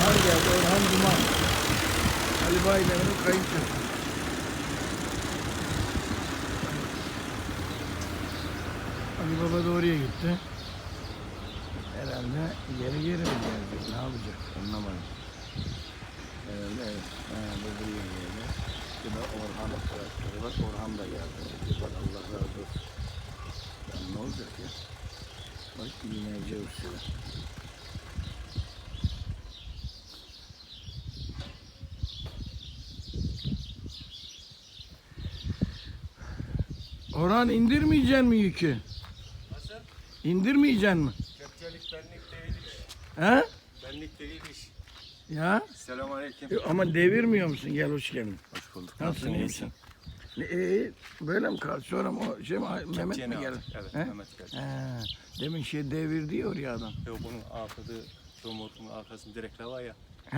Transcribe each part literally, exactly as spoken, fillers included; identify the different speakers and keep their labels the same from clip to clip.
Speaker 1: Orhan geldi. Orhan Duman. Ali Baydemir'in kayınçosu. Ali Baba da oraya gitti. Herhalde geri geri mi geldi? Ne yapacak? Anlamadım. Herhalde evet. Ha, bu buraya geldi. Bir de Orhan traktörü var. Orhan da geldi. Bak Allah razı olsun. Ya ne olacak ya? Bak iğneci usulü. Orhan indirmeyeceksin mi yükü?
Speaker 2: Nasıl?
Speaker 1: İndirmeyeceksin mi?
Speaker 2: Kepçelik benlik değil iş.
Speaker 1: He?
Speaker 2: Benlik değil iş.
Speaker 1: Ya?
Speaker 2: Selamünaleyküm.
Speaker 1: E, ama devirmiyor musun? Gel hoş geldin.
Speaker 2: Hoş bulduk.
Speaker 1: Nasılsın, iyi misin? E, e, böyle mi kaldı? Sonra mı o şey mi? Mehmet mi geldi?
Speaker 2: Evet,
Speaker 1: He?
Speaker 2: Mehmet geldi.
Speaker 1: He. Demin şey devirdi ya oraya adam.
Speaker 2: Yok bunun arkası, romorkunun arkasında direkler var ya.
Speaker 1: He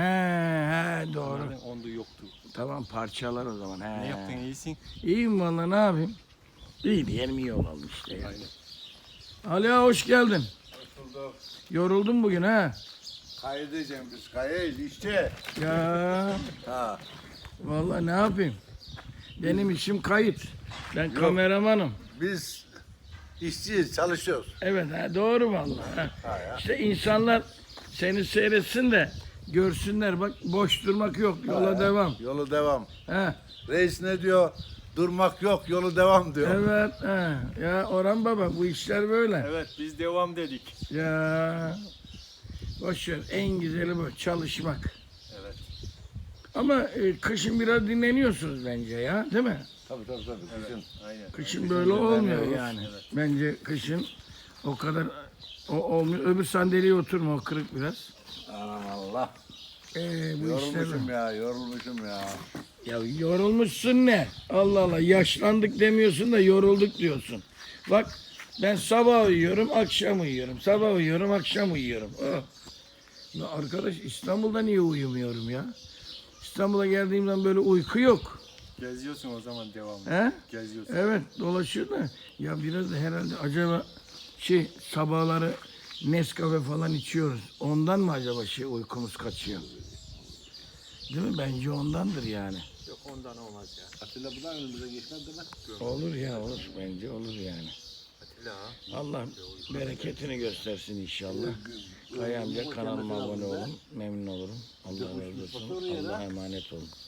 Speaker 1: he doğru.
Speaker 2: Onlardan onda yoktu.
Speaker 1: Tamam parçalar o zaman. He.
Speaker 2: Ne yaptın, iyisin?
Speaker 1: İyiyim valla, ne yapayım? İyi diyelim, iyi olalım işte ya.
Speaker 2: Aynen.
Speaker 1: Ali ağa, hoş geldin.
Speaker 3: Hoş bulduk.
Speaker 1: Yoruldun bugün ha?
Speaker 3: Kaydedeceğim biz. Kayıt işte.
Speaker 1: Ya
Speaker 3: Ha.
Speaker 1: vallahi ne yapayım? Benim işim kayıt. Ben kameramanım.
Speaker 3: Biz işçiyiz, çalışıyoruz.
Speaker 1: Evet ha, doğru vallahi. Ha.
Speaker 3: Ha ya.
Speaker 1: İşte insanlar seni seyretsin de görsünler, bak boş durmak yok, yola
Speaker 3: Ha,
Speaker 1: devam.
Speaker 3: Yolu devam.
Speaker 1: Ha.
Speaker 3: Reis ne diyor? Durmak yok, yolu devam diyor.
Speaker 1: Evet ha. Ya Orhan Baba, bu işler böyle.
Speaker 2: Evet, biz devam dedik.
Speaker 1: Ya boş ver, en güzeli bu, çalışmak.
Speaker 2: Evet.
Speaker 1: Ama e, kışın biraz dinleniyorsunuz bence ya, değil mi?
Speaker 3: Tabii tabii tabii.
Speaker 2: Evet.
Speaker 3: Kışın.
Speaker 2: Aynen.
Speaker 1: Kışın böyle olmuyor
Speaker 3: dinleniyoruz.
Speaker 1: yani.
Speaker 2: Evet.
Speaker 1: Bence kışın o kadar o olmuyor. Öbür sandalyeye oturma, o kırık biraz.
Speaker 3: Allah.
Speaker 1: Ee, bu işler
Speaker 3: Yorulmuşum ya, yorulmuşum ya.
Speaker 1: ya yorulmuşsun ne? Allah Allah, yaşlandık demiyorsun da yorulduk diyorsun. Bak ben sabah uyuyorum, akşam uyuyorum. Sabah uyuyorum, akşam uyuyorum. Oh. Ya arkadaş, İstanbul'da niye uyumuyorum ya? İstanbul'a geldiğim zaman böyle uyku yok.
Speaker 2: Geziyorsun o zaman devamlı.
Speaker 1: He?
Speaker 2: Geziyorsun.
Speaker 1: Evet, dolaşıyor da ya biraz da herhalde acaba şey, sabahları Nescafe falan içiyoruz. Ondan mı acaba şey uykumuz kaçıyor? Değil mi? Bence ondandır yani.
Speaker 2: Yok ondan olmaz ya.
Speaker 3: Atilla buradan önümüze geçmez değil mi?
Speaker 1: Olur ya, olur. Bence olur yani.
Speaker 2: Atilla ha.
Speaker 1: Allah bereketini göstersin inşallah. Kaya amca, kanalıma abone olun. Memnun olurum. Allah razı olsun. Allah'a emanet olun.